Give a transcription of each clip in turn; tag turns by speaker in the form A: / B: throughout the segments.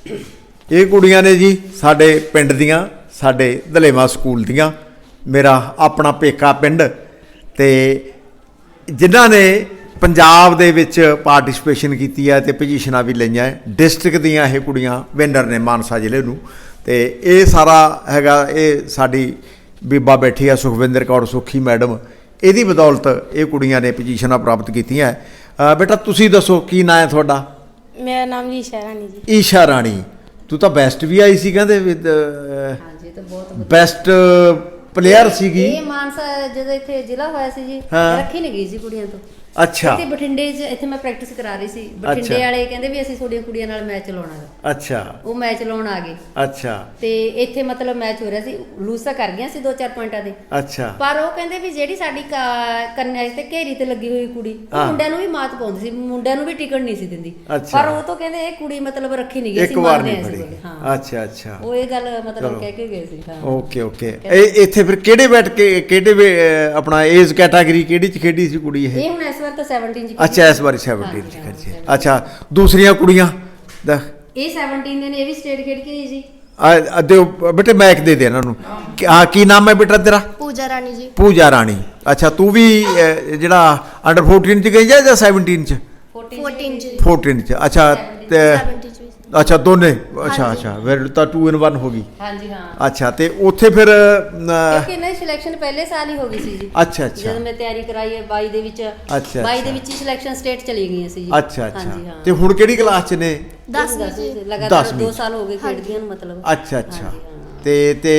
A: ਇਹ ਕੁੜੀਆਂ ਨੇ ਜੀ ਸਾਡੇ ਪਿੰਡ ਦੀਆਂ, ਸਾਡੇ ਦਲੇਵਾ ਸਕੂਲ ਦੀਆਂ, ਮੇਰਾ ਆਪਣਾ ਪੇਕਾ ਪਿੰਡ, ਤੇ ਜਿਨ੍ਹਾਂ ਨੇ ਪੰਜਾਬ ਦੇ ਵਿੱਚ ਪਾਰਟਿਸਪੇਸ਼ਨ ਕੀਤੀ ਹੈ ਤੇ ਪੋਜੀਸ਼ਨਾਂ ਵੀ ਲਈਆਂ ਹੈ। ਡਿਸਟ੍ਰਿਕਟ ਦੀਆਂ ਇਹ ਕੁੜੀਆਂ ਵਿਨਰ ਨੇ ਮਾਨਸਾ ਜ਼ਿਲ੍ਹੇ ਨੂੰ। ਤੇ ਇਹ ਸਾਰਾ ਹੈਗਾ, ਇਹ ਸਾਡੀ ਬੀਬਾ ਬੈਠੀ ਆ ਸੁਖਵਿੰਦਰ ਕੌਰ ਸੁਖੀ ਮੈਡਮ, ਇਹਦੀ ਬਦੌਲਤ ਇਹ ਕੁੜੀਆਂ ਨੇ ਪੋਜੀਸ਼ਨਾਂ ਪ੍ਰਾਪਤ ਕੀਤੀਆਂ। ਬੇਟਾ ਤੁਸੀਂ ਦੱਸੋ ਕੀ ਨਾਂ ਹੈ ਤੁਹਾਡਾ?
B: ਮੇਰਾ ਨਾਮ ਜੀ ਈਸ਼ਾ ਰਾਣੀ ਜੀ।
A: ਈਸ਼ਾ ਰਾਣੀ, ਤੂੰ ਤਾਂ ਬੈਸਟ ਵੀ ਆਈ ਸੀ ਕਹਿੰਦੇ,
C: ਹਾਂਜੀ ਤਾਂ ਬਹੁਤ
A: ਬੈਸਟ ਪਲੇਅਰ ਸੀਗੀ।
C: ਇਹ ਮਾਨਸਾ ਜਦੋਂ ਇੱਥੇ ਜ਼ਿਲ੍ਹਾ ਹੋਇਆ ਸੀ ਜੀ, ਰੱਖੀ ਨਹੀਂ ਗਈ ਸੀ ਕੁੜੀਆਂ ਤੋਂ।
A: ਅੱਛਾ।
C: ਇੱਥੇ ਬਠਿੰਡੇ 'ਚ ਇੱਥੇ ਮੈਂ ਪ੍ਰੈਕਟਿਸ ਕਰਾ ਰਹੀ ਸੀ, ਬਠਿੰਡੇ ਵਾਲੇ ਕਹਿੰਦੇ ਵੀ ਅਸੀਂ ਤੁਹਾਡੀਆਂ ਕੁੜੀਆਂ ਨਾਲ ਮੈਚ ਲਾਉਣਾ ਹੈ।
A: ਅੱਛਾ।
C: ਉਹ ਮੈਚ ਲਾਉਣ ਆ ਗਏ।
A: ਅੱਛਾ।
C: ਤੇ ਇੱਥੇ ਮਤਲਬ ਮੈਚ ਹੋ ਰਿਹਾ ਸੀ, ਲੂਜ਼ ਤਾਂ ਕਰ ਗਈਆਂ ਸੀ 2-4 ਪੁਆਇੰਟਾਂ ਦੇ।
A: ਅੱਛਾ।
C: ਪਰ ਉਹ ਕਹਿੰਦੇ ਵੀ ਜਿਹੜੀ ਸਾਡੀ ਕੰਨਿਆ ਤੇ ਘੇਰੀ ਤੇ ਲੱਗੀ ਹੋਈ ਕੁੜੀ, ਉਹ ਮੁੰਡਿਆਂ ਨੂੰ ਵੀ ਮਾਤ ਪਾਉਂਦੀ ਸੀ, ਮੁੰਡਿਆਂ ਨੂੰ ਵੀ ਟਿਕਣ ਨਹੀਂ ਸੀ ਦਿੰਦੀ। ਪਰ ਉਹ ਤੋਂ ਕਹਿੰਦੇ ਇਹ ਕੁੜੀ ਮਤਲਬ ਰੱਖੀ ਨਹੀਂ ਗਈ ਸੀ, ਮੰਨਦੇ ਆ ਸੀ।
A: ਹਾਂ। ਅੱਛਾ ਅੱਛਾ।
C: ਉਹ ਇਹ ਗੱਲ ਮਤਲਬ ਕਹਿ ਕੇ ਗਏ ਸੀ। ਹਾਂ।
A: Okay okay. ਇਹ ਇੱਥੇ ਫਿਰ ਕਿਹੜੇ ਬੈਠ ਕੇ ਕਿਹੜੇ ਆਪਣਾ ਏਜ ਕੈਟਾਗਰੀ ਕਿਹੜੀ ਚ ਖੇਡੀ ਸੀ ਕੁੜੀ ਇਹ?
C: ਇਹ ਹੁਣ ਇਸ ਵਾਰ ਤਾਂ 17 ਚ।
A: ਅੱਛਾ, ਇਸ ਵਾਰੀ 17 ਚ ਖੇਡੀ। ਅੱਛਾ, ਦੂਸਰੀਆਂ ਕੁੜੀਆਂ ਦਾ
C: ਇਹ 17 ਦੇ ਨੇ, ਇਹ ਵੀ ਸਟੇਟ ਖੇਡ ਕੇ ਆਈ ਜੀ।
A: ਦਿਓ ਬੇਟੇ, ਮੈਕ ਦੇ ਇਹਨਾਂ ਨੂੰ। ਹਾਂ, ਕੀ ਨਾਮ ਹੈ ਬੇਟਾ ਤੇਰਾ?
B: ਪੂਜਾ ਰਾਣੀ ਜੀ।
A: ਪੂਜਾ ਰਾਣੀ। ਅੱਛਾ, ਤੂੰ ਵੀ ਜਿਹੜਾ ਅੰਡਰ 14 ਚ ਗਈ ਜਾਂ 17 ਚ?
B: 14 ਚ।
A: 14 ਚ। ਅੱਛਾ। ਤੇ
B: 70 ਚ।
A: ਅੱਛਾ, ਦੋਨੇ। ਅੱਛਾ ਅੱਛਾ, ਫਿਰ ਤਾਂ 2 in 1 ਹੋ ਗਈ।
C: ਹਾਂਜੀ ਹਾਂ।
A: ਅੱਛਾ, ਤੇ ਉੱਥੇ ਫਿਰ
C: ਕਿਉਂਕਿ ਇਹਨਾਂ ਦੀ ਸਿਲੈਕਸ਼ਨ ਪਹਿਲੇ ਸਾਲ ਹੀ ਹੋ ਗਈ ਸੀ ਜੀ।
A: ਅੱਛਾ ਅੱਛਾ।
C: ਜਦੋਂ ਮੈਂ ਤਿਆਰੀ ਕਰਾਈ ਹੈ 22 ਦੇ ਵਿੱਚ।
A: ਅੱਛਾ।
C: 22 ਦੇ ਵਿੱਚ ਹੀ ਸਿਲੈਕਸ਼ਨ ਸਟੇਟ ਚਲੀ ਗਈਆਂ ਸੀ ਜੀ।
A: ਅੱਛਾ ਅੱਛਾ। ਤੇ ਹੁਣ ਕਿਹੜੀ ਕਲਾਸ ਚ ਨੇ?
B: 10ਵੀਂ ਚ।
C: ਲਗਾਤਾਰ 2 ਸਾਲ ਹੋ ਗਏ ਖੇਡਦੀਆਂ ਨੂੰ ਮਤਲਬ।
A: ਅੱਛਾ ਅੱਛਾ। ਤੇ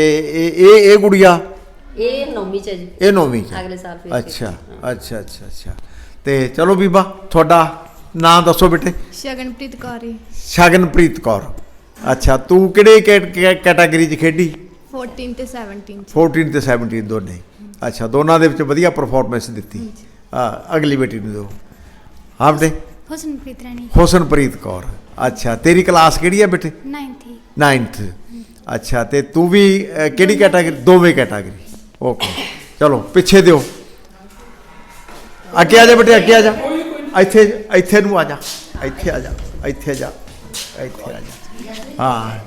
A: ਇਹ ਗੁੜੀਆ
C: ਇਹ 9ਵੀਂ ਚ ਹੈ ਜੀ।
A: ਇਹ 9ਵੀਂ ਚ
C: ਅਗਲੇ ਸਾਲ ਫਿਰ।
A: ਅੱਛਾ ਅੱਛਾ ਅੱਛਾ ਅੱਛਾ। ਤੇ ਚਲੋ ਬੀਬਾ, ਤੁਹਾਡਾ ਨਾਂ ਦੱਸੋ ਬੇਟੇ?
B: ਸ਼ਗਨਪ੍ਰੀਤ ਕੌਰ।
A: ਸ਼ਗਨਪ੍ਰੀਤ ਕੌਰ। ਅੱਛਾ, ਤੂੰ ਕਿਹੜੇ ਕੈਟਾਗਰੀ ਚ ਖੇਡੀ?
B: 14 ਤੇ 17 ਚ।
A: 14 ਤੇ 17 ਦੋਨੇ। ਅੱਛਾ, ਦੋਨਾਂ ਦੇ ਵਿੱਚ ਵਧੀਆ ਪਰਫਾਰਮੈਂਸ ਦਿੱਤੀ। ਅਗਲੀ ਬੇਟੀ ਨੂੰ ਦਿਓ। ਹਾਂ ਬੇਟੇ?
B: ਹੁਸਨਪ੍ਰੀਤ ਰਾਣੀ।
A: ਹੁਸਨਪ੍ਰੀਤ ਕੌਰ। ਅੱਛਾ, ਤੇਰੀ ਕਲਾਸ ਕਿਹੜੀ ਹੈ ਬੇਟੇ?
B: 9th।
A: 9th। ਅੱਛਾ, ਤੇ ਤੂੰ ਵੀ ਕਿਹੜੀ ਕੈਟਾਗਰੀ? ਦੋਵੇਂ ਕੈਟਾਗਰੀ। ਓਕੇ, ਚਲੋ ਪਿੱਛੇ ਦਿਓ। ਅੱਗੇ ਆ ਜਾ ਬੇਟੇ, ਅੱਗੇ ਆ ਜਾ। ਇੱਥੇ ਨੂੰ ਆ ਜਾ, ਇੱਥੇ ਆ ਜਾ, ਇੱਥੇ ਜਾ, ਇੱਥੇ ਆ ਜਾ। ਹਾਂ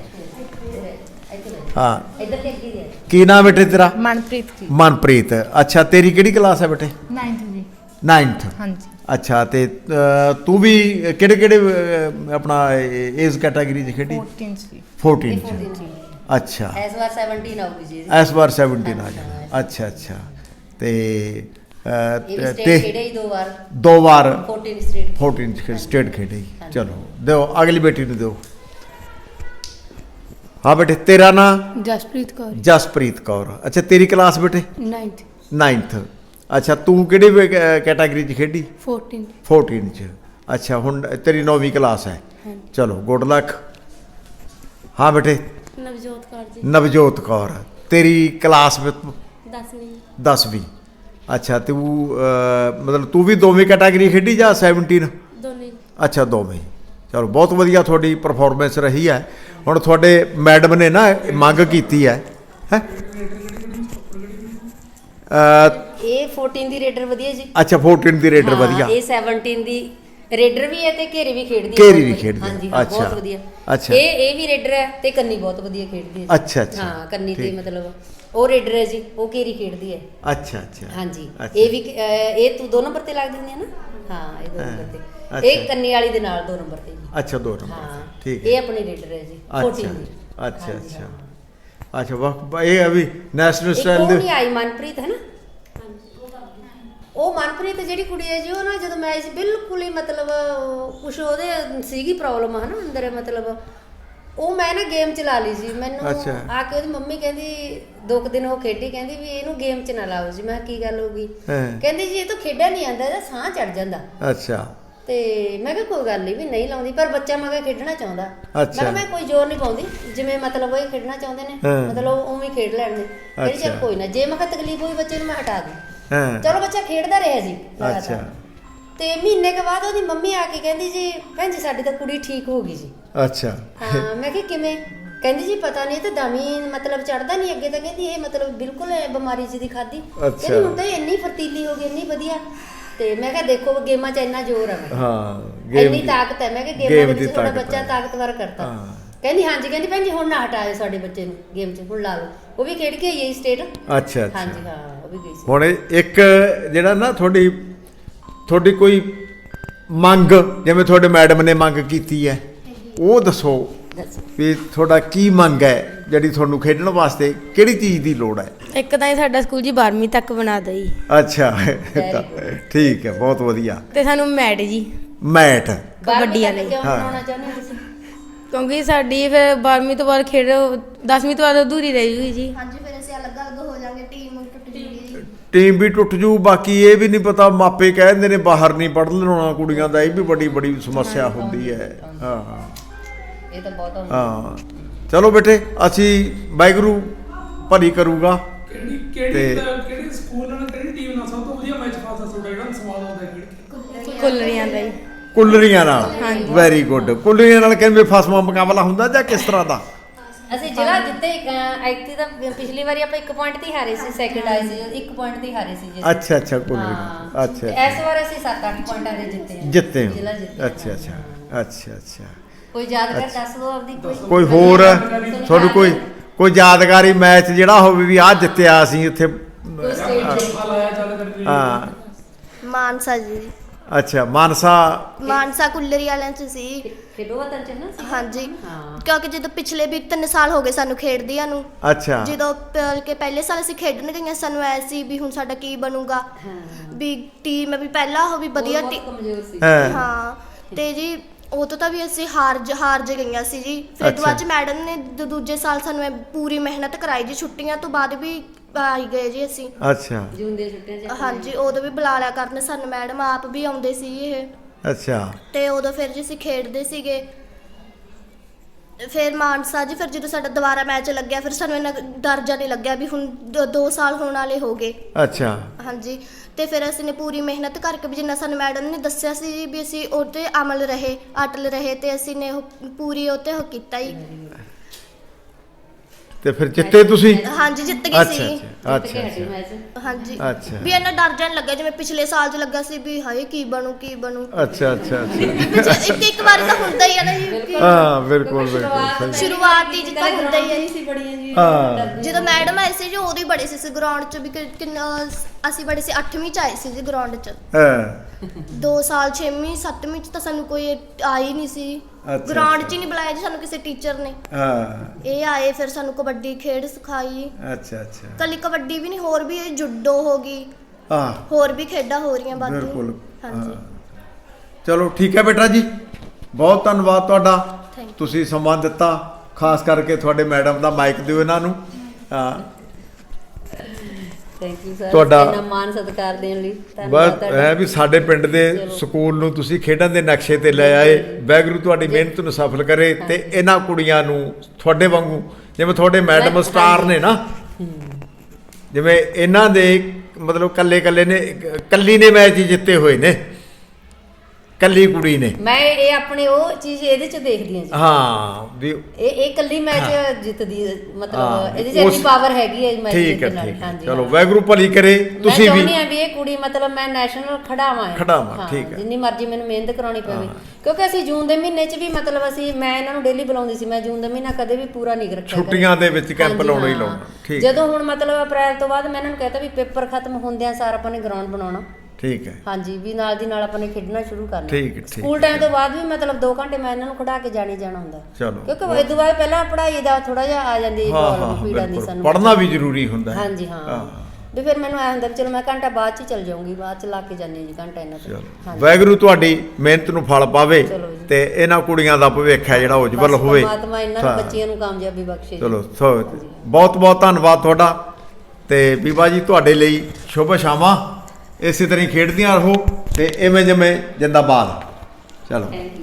A: ਹਾਂ।
C: ਇੱਧਰ ਦੇਖੀ ਜੀ।
A: ਕੀ ਨਾਮ ਬੇਟੇ ਤੇਰਾ?
B: ਮਨਪ੍ਰੀਤ ਜੀ।
A: ਮਨਪ੍ਰੀਤ। ਅੱਛਾ, ਤੇਰੀ ਕਿਹੜੀ ਕਲਾਸ ਹੈ ਬੇਟੇ?
B: 9th ਜੀ।
A: 9th।
B: ਹਾਂਜੀ।
A: ਅੱਛਾ, ਤੇ ਤੂੰ ਵੀ ਕਿਹੜੇ ਆਪਣਾ ਏਜ ਕੈਟਾਗਰੀ 'ਚ ਖੇਡੀ?
B: 14 ਚ।
A: 14 'ਚ। ਅੱਛਾ,
C: ਇਸ ਵਾਰ 17 ਆਊਗੀ ਜੀ।
A: ਇਸ ਵਾਰ 17 ਆ ਜਾਣਾ। ਅੱਛਾ ਅੱਛਾ। ਤੇ
C: ਇਹ ਵੀ ਸਟੇਟ ਖੇਡੇ ਹੀ 2 ਵਾਰ।
A: 2 ਵਾਰ
C: 14 ਸਟੇਟ।
A: 14 ਚ ਸਟੇਟ ਖੇਡੀ। ਚਲੋ ਦਿਓ, ਅਗਲੀ ਬੇਟੀ ਨੂੰ ਦਿਓ। ਹਾਂ ਬੇਟੇ, ਤੇਰਾ ਨਾਂ?
B: ਜਸਪ੍ਰੀਤ ਕੌਰ।
A: ਜਸਪ੍ਰੀਤ ਕੌਰ। ਅੱਛਾ, ਤੇਰੀ ਕਲਾਸ ਬੇਟੇ?
B: 9th।
A: 9th। ਅੱਛਾ, ਤੂੰ ਕਿਹੜੀ ਕੈਟਾਗਰੀ 'ਚ ਖੇਡੀ?
B: 14।
A: 14 ਚ। ਅੱਛਾ, ਹੁਣ ਤੇਰੀ 9ਵੀਂ ਕਲਾਸ ਹੈ। ਚਲੋ, ਗੁੱਡ ਲੱਕ। ਹਾਂ ਬੇਟੇ?
B: ਨਵਜੋਤ ਕੌਰ ਜੀ।
A: ਨਵਜੋਤ ਕੌਰ। ਤੇਰੀ ਕਲਾਸ
B: 10ਵੀਂ।
A: 10ਵੀਂ। ਅੱਛਾ, ਤੂੰ ਮਤਲਬ ਤੂੰ ਵੀ ਦੋਵੇਂ ਕੈਟਾਗਰੀ ਖੇਡੀ ਜਾਂ 17?
B: ਦੋਨੇ।
A: ਅੱਛਾ, ਦੋਵੇਂ। ਚਲੋ, ਬਹੁਤ ਵਧੀਆ ਤੁਹਾਡੀ ਪਰਫਾਰਮੈਂਸ ਰਹੀ ਹੈ। ਹੁਣ ਤੁਹਾਡੇ ਮੈਡਮ ਨੇ ਨਾ ਮੰਗ ਕੀਤੀ ਹੈ
C: ਇਹ 14 ਦੀ ਰੇਡਰ ਵਧੀਆ ਜੀ।
A: ਅੱਛਾ, 14 ਦੀ ਰੇਡਰ ਵਧੀਆ।
C: ਇਹ 17 ਦੀ ਰੇਡਰ ਵੀ ਹੈ ਤੇ ਘੇਰੀ ਵੀ ਖੇਡਦੀ ਹੈ।
A: ਘੇਰੀ ਵੀ ਖੇਡਦੀ ਹੈ।
C: ਹਾਂਜੀ ਹਾਂ,
A: ਅੱਛਾ।
C: ਬਹੁਤ ਵਧੀਆ।
A: ਅੱਛਾ।
C: ਇਹ ਵੀ ਰੇਡਰ ਹੈ ਤੇ ਕੰਨੀ ਬਹੁਤ ਵਧੀਆ ਖੇਡਦੀ ਹੈ।
A: ਅੱਛਾ ਅੱਛਾ।
C: ਹਾਂ, ਕੰਨੀ ਤੇ ਮਤਲਬ ਉਹ ਰੇਡਰ ਹੈ ਜੀ, ਉਹ ਘੇਰੀ ਖੇਡਦੀ ਹੈ।
A: ਅੱਛਾ ਅੱਛਾ।
C: ਹਾਂਜੀ। ਇਹ ਵੀ ਇਹ ਤੂੰ 2 ਨੰਬਰ ਤੇ ਲੱਗ ਦਿੰਦੀ ਹੈ ਨਾ? ਹਾਂ, ਇਹ 2 ਨੰਬਰ ਤੇ। ਇਹ ਕੰਨੀ ਵਾਲੀ ਦੇ ਨਾਲ 2 ਨੰਬਰ ਤੇ ਜੀ।
A: ਅੱਛਾ, 2 ਨੰਬਰ।
C: ਹਾਂ,
A: ਠੀਕ ਹੈ।
C: ਇਹ ਆਪਣੀ ਰੇਡਰ ਹੈ ਜੀ 14 ਦੀ।
A: ਅੱਛਾ ਅੱਛਾ। ਅੱਛਾ, ਵਾਹ, ਇਹ ਅਭੀ ਨੈਸ਼ਨਲ ਸਟਾਈਲ
C: ਉਹ
A: ਦੇ।
C: ਨਹੀਂ ਆਈ ਮਨਪ੍ਰੀਤ ਹੈ ਨਾ? ਉਹ ਮਨਪ੍ਰੀਤ ਜਿਹੜੀ ਕੁੜੀ ਹੈ ਜੀ, ਉਹ ਨਾ ਜਦੋਂ ਮੈਚ ਬਿਲਕੁਲ ਹੀ ਮਤਲਬ ਕੁਛ ਉਹਦੇ ਸੀਗੀ ਪ੍ਰੋਬਲਮ ਹੈ ਨਾ ਅੰਦਰ, ਮਤਲਬ ਉਹ ਮੈਂ ਨਾ ਗੇਮ ਚਲਾ ਲਈ ਸੀ। ਮੈਨੂੰ ਆ ਕੇ ਉਹਦੀ ਮੰਮੀ ਕਹਿੰਦੀ 2 ਦਿਨ ਉਹ ਖੇਡੀ, ਕਹਿੰਦੀ ਵੀ ਇਹਨੂੰ ਗੇਮ 'ਚ ਨਾ ਲਾਓ ਜੀ। ਮੈਂ ਕੀ ਗੱਲ ਹੋ ਗਈ? ਕਹਿੰਦੀ ਜੀ ਇਹ ਤਾਂ ਖੇਡਿਆ ਨਹੀਂ ਆਉਂਦਾ, ਇਹਦਾ ਸਾਹ ਚੜ ਜਾਂਦਾ।
A: ਅੱਛਾ।
C: ਤੇ ਮੈਂ ਕਿਹਾ ਕੋਈ ਗੱਲ ਨਹੀਂ ਵੀ ਨਹੀਂ ਲਾਉਂਦੀ, ਪਰ ਬੱਚਾ ਮੈਂ ਕਿਹਾ ਖੇਡਣਾ ਚਾਹੁੰਦਾ। ਮੈਂ ਕਿਹਾ ਮੈਂ ਕੋਈ ਜ਼ੋਰ ਨਹੀਂ ਪਾਉਂਦੀ, ਜਿਵੇਂ ਮਤਲਬ ਉਹ ਖੇਡਣਾ ਚਾਹੁੰਦੇ ਨੇ ਮਤਲਬ ਉਵੇਂ ਖੇਡ ਲੈਣ ਦੇ। ਕਹਿੰਦੀ ਚੱਲ ਕੋਈ ਨਾ, ਜੇ ਮੈਂ ਕਿਹਾ ਤਕਲੀਫ ਹੋਈ ਬੱਚੇ ਨੂੰ ਮੈਂ ਹਟਾ ਦੂੰ। ਚਲੋ, ਬੱਚਾ ਖੇਡਦਾ ਰਿਹਾ ਜੀ। ਅੱਛਾ। ਤੇ ਮਹੀਨੇ ਕੇ ਬਾਅਦ ਉਹਦੀ ਮੰਮੀ ਆ ਕੇ ਕਹਿੰਦੀ ਜੀ ਭੈਣ ਜੀ ਸਾਡੀ ਤਾਂ ਕੁੜੀ ਠੀਕ ਹੋ ਗਈ ਜੀ।
A: ਅੱਛਾ।
C: ਹਾਂ, ਮੈਂ ਕਿਹਾ ਕਿਵੇਂ? ਕਹਿੰਦੀ ਜੀ ਪਤਾ ਨਹੀਂ, ਇਹ ਤਾਂ ਦਮੀ ਮਤਲਬ ਚੜਦਾ ਨਹੀਂ ਅੱਗੇ ਤਾਂ, ਕਹਿੰਦੀ ਇਹ ਮਤਲਬ ਬਿਲਕੁਲ ਬਿਮਾਰੀ ਜੀ ਦੀ ਖਾਦੀ। ਕਹਿੰਦੀ ਹੁਣ ਤਾਂ ਇੰਨੀ ਫਰਤੀਲੀ ਹੋ ਗਈ, ਇੰਨੀ ਵਧੀਆ। ਤੇ ਮੈਂ ਕਿਹਾ ਦੇਖੋ ਗੇਮਾਂ 'ਚ ਇੰਨਾ ਜ਼ੋਰ ਹੈ। ਹਾਂ, ਇੰਨੀ ਤਾਕਤ ਹੈ। ਮੈਂ ਕਿਹਾ ਗੇਮਾਂ ਦੇ ਵਿੱਚ ਤੁਹਾਡਾ ਬੱਚਾ ਤਾਕਤਵਰ ਕਰਤਾ। ਕਹਿੰਦੀ ਹਾਂਜੀ, ਕਹਿੰਦੀ ਭੈਣ ਜੀ ਹੁਣ ਨਾ ਹਟਾਇਓ ਸਾਡੇ ਬੱਚੇ ਨੂੰ ਗੇਮ 'ਚ, ਹੁਣ ਲਾ ਲਓ। ਉਹ ਵੀ ਖੇਡ ਕੇ ਆਈ ਹੈ ਸਟੇਟ।
A: ਅੱਛਾ ਅੱਛਾ।
C: ਹਾਂਜੀ ਹਾਂ, ਉਹ ਵੀ ਗਈ ਸੀ।
A: ਹੁਣ ਇੱਕ ਜਿਹੜਾ ਨਾ ਤੁਹਾਡੀ ਕੋਈ ਮੰਗ, ਜਿਵੇਂ ਤੁਹਾਡੇ ਮੈਡਮ ਨੇ ਮੰਗ ਕੀਤੀ ਹੈ, ਉਹ ਦੱਸੋ
C: ਦੱਸੋ।
A: ਵੀ ਤੁਹਾਡਾ ਕੀ ਮੰਗ ਹੈ ਜਿਹੜੀ ਤੁਹਾਨੂੰ ਖੇਡਣ ਵਾਸਤੇ ਕਿਹੜੀ ਚੀਜ਼ ਦੀ ਲੋੜ ਹੈ?
B: ਇੱਕ ਤਾਂ ਇਹ ਸਾਡਾ ਸਕੂਲ ਜੀ 12ਵੀਂ ਤੱਕ ਬਣਾ ਦੇ ਜੀ,
A: ਅੱਛਾ ਠੀਕ ਹੈ, ਬਹੁਤ ਵਧੀਆ।
B: ਤੇ ਸਾਨੂੰ ਮੈਟ ਜੀ,
A: ਮੈਟ
B: ਕਬੱਡੀ ਵਾਲੇ।
C: ਕਿਉਂ
A: ਹਾਂ।
C: ਬਣਾਉਣਾ ਚਾਹੁੰਦੇ ਹੋ ਤੁਸੀਂ?
B: ਕਿਉਂਕਿ ਸਾਡੀ ਫਿਰ 12ਵੀਂ ਤੋਂ ਬਾਅਦ ਖੇਡ 10ਵੀਂ ਤੋਂ ਬਾਅਦ ਅਧੂਰੀ ਰਹਿ ਜੂਗੀ ਜੀ।
D: ਹਾਂਜੀ, ਫਿਰ ਅਸੀਂ ਅਲੱਗ-ਅਲੱਗ ਹੋ ਜਾਾਂਗੇ, ਟੀਮ ਟੁੱਟ ਜੂਗੀ।
A: ਟੀਮ ਵੀ ਟੁੱਟ ਜੂ। ਬਾਕੀ ਇਹ ਵੀ ਨਹੀਂ ਪਤਾ, ਮਾਪੇ ਕਹਿੰਦੇ ਨੇ ਬਾਹਰ ਨਹੀਂ ਪੜ੍ਹ ਲੈਣਾ ਕੁੜੀਆਂ ਦਾ, ਇਹ ਵੀ ਬੜੀ ਸਮੱਸਿਆ ਹੁੰਦੀ ਹੈ। ਹਾਂ
C: ਇਹ ਤਾਂ ਬਹੁਤ
A: ਹਾਂ। ਚਲੋ ਬੇਟੇ, ਅਸੀਂ ਵਾਹਿਗੁਰੂ ਭਲੀ ਕਰੂਗਾ।
E: ਕਿਹੜੀ ਸਕੂਲ ਨਾਲ ਕਿਹੜੀ ਟੀਮ ਨਾਲ ਸਭ ਤੋਂ ਵਧੀਆ ਮੈਚ ਫਾਸਾ ਤੁਹਾਡਾ ਜਿਹੜਾ ਸਵਾਦ ਆਉਂਦਾ ਖੇਡ ਕੇ?
B: ਕੁੱਲਰੀਆਂ ਦਾ ਜੀ।
A: ਕੁੱਲਰੀਆਂ ਨਾਲ। Very good. ਕੁੱਲਰੀਆਂ ਨਾਲ ਕਿਵੇਂ ਫਸਵਾ ਮੁਕਾਬਲਾ ਹੁੰਦਾ ਜਾਂ ਕਿਸ ਤਰ੍ਹਾਂ ਦਾ?
C: ਅਸੀਂ ਜਿਹੜਾ ਜਿੱਤੇ ਐਕਟੀ ਦਾ ਪਿਛਲੀ ਵਾਰੀ ਆਪਾਂ 1 ਪੁਆਇੰਟ ਤੇ ਹਾਰੇ ਸੀ, ਸੈਕਿੰਡ ਆਏ ਸੀ, 1 ਪੁਆਇੰਟ ਤੇ ਹਾਰੇ ਸੀ ਜੀ।
A: ਅੱਛਾ ਅੱਛਾ,
C: ਹਾਂ।
A: ਕੁੱਲਰੀਆਂ। ਅੱਛਾ
C: ਤੇ ਇਸ ਵਾਰ ਅਸੀਂ 7-8 ਪੁਆਇੰਟਾਂ ਦੇ ਜਿੱਤੇ ਹਾਂ।
A: ਜਿੱਤੇ ਹੋ।
C: ਜ਼ਿਲ੍ਹਾ ਜਿੱਤੇ।
A: ਅੱਛਾ ਅੱਛਾ ਅੱਛਾ ਅੱਛਾ।
C: ਕੋਈ ਯਾਦਗਾਰ ਦੱਸ ਦਿਓ ਆਪਦੀ
A: ਕੋਈ ਹੋਰ ਤੁਹਾਨੂੰ ਕੋਈ ਯਾਦਗਾਰੀ ਮੈਚ ਜਿਹੜਾ ਹੋਵੇ ਵੀ ਆਹ ਜਿੱਤਿਆ ਅਸੀਂ ਉੱਥੇ?
C: ਕੋਈ ਸਟੇਟ ਦੇ।
E: ਲਾਇਆ ਚੱਲ ਕਰਕੇ
A: ਹਾਂ।
D: ਮਾਨਸਾ ਜੀ,
A: ਅੱਛਾ, ਮਾਨਸਾ
D: ਕੁੱਲਰੀ ਵਾਲਿਆਂ 'ਚ ਸੀ।
C: ਖੇਡੋ ਵਤਨ ਚ ਨਾ ਸੀ।
D: ਹਾਂਜੀ,
C: ਹਾਂ।
D: ਕਿਉਂਕਿ ਜਦੋਂ ਪਿਛਲੇ ਵੀ 3 ਸਾਲ ਹੋ ਗਏ ਸਾਨੂੰ ਖੇਡਦਿਆਂ ਨੂੰ।
A: ਅੱਛਾ।
D: ਜਦੋਂ ਕਿ ਪਹਿਲੇ ਸਾਲ ਅਸੀਂ ਖੇਡਣ ਗਈਆਂ, ਸਾਨੂੰ ਐ ਸੀ ਵੀ ਹੁਣ ਸਾਡਾ ਕੀ ਬਣੂਗਾ, ਵੀ ਟੀਮ ਵੀ ਪਹਿਲਾਂ ਉਹ ਵੀ ਵਧੀਆ
C: ਬਹੁਤ ਕਮਜ਼ੋਰ ਸੀ।
D: ਹਾਂ। ਤੇ ਜੀ ਉਹ ਤੋਂ ਤਾਂ ਵੀ ਅਸੀਂ ਹਾਰ ਜ ਗਈਆਂ ਸੀ ਜੀ। ਫਿਰ
A: ਅੱਛਾ।
D: ਬਾਅਦ ਚ ਮੈਡਮ ਨੇ ਦੂਜੇ ਸਾਲ ਸਾਨੂੰ ਪੂਰੀ ਮਿਹਨਤ ਕਰਾਈ ਜੀ, ਛੁੱਟੀਆਂ ਤੋਂ ਬਾਅਦ ਵੀ ਆਈ ਗਏ ਜੀ ਅਸੀਂ।
A: ਅੱਛਾ
C: ਜੂਨ ਦੀਆਂ ਛੁੱਟੀਆਂ ਚ।
D: ਹਾਂਜੀ, ਉਦੋਂ ਵੀ ਬੁਲਾ ਲਿਆ ਕਰਨ ਸਾਨੂੰ ਮੈਡਮ, ਆਪ ਵੀ ਆਉਂਦੇ ਸੀ ਇਹ।
A: ਅੱਛਾ।
D: ਤੇ ਉਦੋਂ ਫਿਰ ਜੀ ਅਸੀਂ ਖੇਡਦੇ ਸੀਗੇ। ਫਿਰ ਮਾਨਸਾ ਜੀ, ਫਿਰ ਜਦੋਂ ਸਾਡਾ ਦੁਬਾਰਾ ਮੈਚ ਲੱਗਿਆ, ਫਿਰ ਸਾਨੂੰ ਇੰਨਾ ਡਰ ਜਿਹਾ ਨਹੀਂ ਲੱਗਿਆ ਵੀ ਹੁਣ 2 ਸਾਲ ਹੋਣ ਵਾਲੇ ਹੋ ਗਏ।
A: ਅੱਛਾ।
D: ਹਾਂਜੀ, ਤੇ ਫਿਰ ਅਸੀਂ ਨੇ ਪੂਰੀ ਮਿਹਨਤ ਕਰਕੇ ਵੀ ਜਿੰਨਾ ਸਾਨੂੰ ਮੈਡਮ ਨੇ ਦੱਸਿਆ ਸੀ ਵੀ ਅਸੀਂ ਉਹ 'ਤੇ ਅਟਲ ਰਹੇ ਤੇ ਅਸੀਂ ਨੇ ਉਹ ਪੂਰੀ ਉਹ 'ਤੇ ਉਹ ਕੀਤਾ ਹੀ।
A: ਤੇ ਫਿਰ ਜਿੱਤੇ ਤੁਸੀਂ?
D: ਹਾਂਜੀ, ਜਿੱਤ ਗਏ ਸੀ।
A: ਅੱਛਾ ਅੱਛਾ
D: ਹਾਂਜੀ,
A: ਅੱਛਾ।
D: ਵੀ ਇੰਨਾ ਡਰ ਜਾਣ ਲੱਗਾ ਜਿਵੇਂ ਪਿਛਲੇ ਸਾਲ 'ਚ ਲੱਗਾ ਸੀ ਵੀ ਹਾਏ ਕੀ ਬਣੂ।
A: ਅੱਛਾ ਅੱਛਾ ਅੱਛਾ।
D: ਇੱਕ ਵਾਰ ਤਾਂ ਹੁੰਦਾ ਹੀ ਆ ਨਾ ਜੀ।
A: ਹਾਂ, ਬਿਲਕੁਲ ਬਿਲਕੁਲ।
D: ਸ਼ੁਰੂਆਤ ਹੀ ਜਿੱਦਾਂ ਹੁੰਦਾ ਹੀ ਹੈ
C: ਸੀ ਬੜੀਆਂ ਜੀ।
A: ਹਾਂ।
D: ਜਦੋਂ ਮੈਡਮ ਆਏ ਸੀ ਜੀ, ਉਦੋਂ ਹੀ ਬੜੇ ਸੀ ਗਰਾਊਂਡ 'ਚ ਵੀ ਕਿੰਨਾ ਅਸੀਂ ਬੜੇ ਸੀ। 8ਵੀਂ 'ਚ ਆਏ ਸੀ ਜੀ ਗਰਾਊਂਡ 'ਚ।
A: ਹਾਂ।
D: 2 ਸਾਲ 6ਵੀਂ 7ਵੀਂ 'ਚ ਤਾਂ ਸਾਨੂੰ ਕੋਈ ਆਈ ਨਹੀਂ ਸੀ।
A: ਅੱਛਾ,
D: ਗਰਾਊਂਡ 'ਚ ਹੀ ਨਹੀਂ ਬੁਲਾਇਆ ਜੀ ਸਾਨੂੰ ਕਿਸੇ ਟੀਚਰ ਨੇ।
A: ਹਾਂ।
D: ਇਹ ਆਏ, ਫਿਰ ਸਾਨੂੰ ਕਬੱਡੀ ਖੇਡ ਸਿਖਾਈ।
A: ਅੱਛਾ ਅੱਛਾ।
D: ਕੱਲੀ ਕਬੱਡੀ ਵੀ ਨਹੀਂ, ਹੋਰ ਵੀ ਜੁੱਡੋ ਹੋ ਗਈ,
A: ਹਾਂ,
D: ਹੋਰ ਵੀ ਖੇਡਾਂ ਹੋ ਰਹੀਆਂ ਬਾਕੀ।
A: ਬਿਲਕੁਲ।
D: ਹਾਂਜੀ।
A: ਚਲੋ ਠੀਕ ਹੈ ਬੇਟਾ ਜੀ, ਬਹੁਤ ਧੰਨਵਾਦ ਤੁਹਾਡਾ।
D: Thank you.
A: ਤੁਸੀਂ ਸਮਾਂ ਦਿੱਤਾ, ਖਾਸ ਕਰਕੇ ਤੁਹਾਡੇ ਮੈਡਮ ਦਾ ਮਾਈਕ ਦਿਓ ਇਹਨਾਂ ਨੂੰ। ਹਾਂ,
C: ਥੈਂਕ ਯੂ ਸਰ,
A: ਤੁਹਾਡਾ
C: ਇੰਨਾ ਮਾਣ ਸਤਿਕਾਰ ਦੇਣ ਲਈ
A: ਬਸ
C: ਧੰਨਵਾਦ
A: ਹੈ ਵੀ ਸਾਡੇ ਪਿੰਡ ਦੇ ਸਕੂਲ ਨੂੰ ਤੁਸੀਂ ਖੇਡਾਂ ਦੇ ਨਕਸ਼ੇ ਤੇ ਲੈ ਆਏ। ਵਾਹਿਗੁਰੂ ਤੁਹਾਡੀ ਮਿਹਨਤ ਨੂੰ ਸਫਲ ਕਰੇ ਤੇ ਇਹਨਾਂ ਕੁੜੀਆਂ ਨੂੰ ਤੁਹਾਡੇ ਵਾਂਗੂ, ਜਿਵੇਂ ਤੁਹਾਡੇ ਮੈਡਮ ਸਟਾਰ ਨੇ ਨਾ, ਜਿਵੇਂ ਇਹਨਾਂ ਦੇ ਮਤਲਬ ਕੱਲੀ ਨੇ ਮੈਚ ਜਿੱਤੇ ਹੋਏ ਨੇ, ਕੱਲੀ ਕੁੜੀ ਨੇ।
C: ਮੈਂ ਇਹ ਆਪਣੇ ਉਹ ਚੀਜ਼ ਇਹਦੇ ਚ ਦੇਖਦੀ ਹਾਂ ਜੀ।
A: ਹਾਂ ਵੀ
C: ਇਹ ਕੱਲੀ ਮੈਚ ਜਿੱਤਦੀ,
A: ਹਾਂ,
C: ਮਤਲਬ ਇਹਦੇ ਚ ਇੰਨੀ ਪਾਵਰ ਹੈਗੀ ਹੈ ਮੈਚ
A: ਠੀਕ ਹੈ
C: ਜਿੱਤਣ ਵਾਲੀ।
A: ਠੀਕ ਹੈ।
C: ਹਾਂਜੀ,
A: ਚਲੋ
C: ਹਾਂ।
A: ਵਾਹਿਗੁਰੂ ਭਲੀ ਕਰੇ। ਤੁਸੀਂ
C: ਮੈਂ
A: ਵੀ
C: ਚਾਹੁੰਦੀ ਹਾਂ ਵੀ ਇਹ ਕੁੜੀ ਮਤਲਬ ਮੈਂ ਨੈਸ਼ਨਲ ਖਿਡਾਵਾਂ ਹੈ।
A: ਖਿਡਾਵਾਂ, ਠੀਕ ਹੈ।
C: ਜਿੰਨੀ ਮਰਜ਼ੀ ਮੈਨੂੰ ਮਿਹਨਤ ਕਰਾਉਣੀ ਪਵੇ, ਕਿਉਂਕਿ ਅਸੀਂ ਜੂਨ ਦੇ ਮਹੀਨੇ 'ਚ ਵੀ ਮਤਲਬ ਮੈਂ ਇਹਨਾਂ ਨੂੰ ਡੇਲੀ ਬੁਲਾਉਂਦੀ ਸੀ। ਮੈਂ ਜੂਨ ਦਾ ਮਹੀਨਾ ਕਦੇ ਵੀ ਪੂਰਾ ਨਹੀਂ ਰੱਖਿਆ।
A: ਛੁੱਟੀਆਂ ਦੇ ਵਿੱਚ ਕੈਂਪ
C: ਹਾਂਜੀ,
A: ਲਾਉਣਾ ਹੀ
C: ਹਾਂ।
A: ਲਾਉਣਾ। ਠੀਕ।
C: ਜਦੋਂ ਹੁਣ ਮਤਲਬ ਅਪ੍ਰੈਲ ਤੋਂ ਬਾਅਦ ਮੈਂ ਇਹਨਾਂ ਨੂੰ ਕਹਿਤਾ ਵੀ ਪੇਪਰ ਖਤਮ ਹੁੰਦਿਆਂ ਸਾਰ ਆਪਾਂ ਨੇ ਗਰਾਊਂਡ ਬਣਾਉਣਾ।
A: ਠੀਕ ਹੈ।
C: ਹਾਂਜੀ, ਵੀ ਨਾਲ ਦੀ ਨਾਲ ਆਪਾਂ ਨੇ ਖੇਡਣਾ ਸ਼ੁਰੂ ਕਰਨਾ।
A: ਠੀਕ ਹੈ, ਠੀਕ
C: ਸਕੂਲ ਟਾਈਮ ਤੋਂ ਬਾਅਦ ਵੀ ਮਤਲਬ 2 ਘੰਟੇ ਮੈਂ ਇਹਨਾਂ ਨੂੰ ਖੜਾ ਕੇ ਜਾਣਾ ਹੁੰਦਾ।
A: ਚਲੋ।
C: ਕਿਉਂਕਿ ਇਹ ਤੋਂ ਬਾਅਦ ਪਹਿਲਾਂ ਪੜ੍ਹਾਈ ਦਾ ਥੋੜਾ ਜਿਹਾ ਆ ਜਾਂਦੀ
A: ਹਾਂ
C: ਪ੍ਰੋਬਲਮ, ਪੀੜਾ ਨਹੀਂ
A: ਬਿਲਕੁਲ,
C: ਸਾਨੂੰ
A: ਪੜ੍ਹਨਾ ਵੀ ਜ਼ਰੂਰੀ ਹੁੰਦਾ ਹੈ।
C: ਹਾਂਜੀ ਹਾਂ। ਵੀ ਫਿਰ ਮੈਨੂੰ ਐ ਹੁੰਦਾ ਵੀ ਚਲੋ ਮੈਂ ਘੰਟਾ ਬਾਅਦ ਚ ਹੀ ਚਲ ਜਾਊਂਗੀ, ਬਾਅਦ ਚ ਲਾ ਕੇ ਜਾਂਦੀ ਜੀ ਘੰਟਾ ਇਹਨਾਂ ਤੋਂ।
A: ਚਲੋ, ਵਾਹਿਗੁਰੂ ਤੁਹਾਡੀ ਮਿਹਨਤ ਨੂੰ ਫਲ ਪਾਵੇ
C: ਚਲੋ ਜੀ।
A: ਤੇ ਇਹਨਾਂ ਕੁੜੀਆਂ ਦਾ ਭਵਿੱਖ ਹੈ ਜਿਹੜਾ ਉਜਵਲ ਹੋਵੇ।
C: ਪਰਮਾਤਮਾ ਇਹਨਾਂ ਨੂੰ ਬੱਚਿਆਂ ਨੂੰ ਕਾਮਯਾਬੀ ਬਖਸ਼ੇ ਜੀ।
A: ਚਲੋ ਬਹੁਤ ਬਹੁਤ ਧੰਨਵਾਦ ਤੁਹਾਡਾ। ਤੇ ਬੀਬਾ ਜੀ ਤੁਹਾਡੇ ਲਈ ਸ਼ੁਭ ਸ਼ਾਮਾਂ। ਇਸੇ ਤਰ੍ਹਾਂ ਹੀ ਖੇਡਦੀਆਂ ਰਹੋ ਤੇ ਇਵੇਂ ਜਿਵੇਂ ਜਿੰਦਾਬਾਦ। ਚਲੋ।
C: Thank you.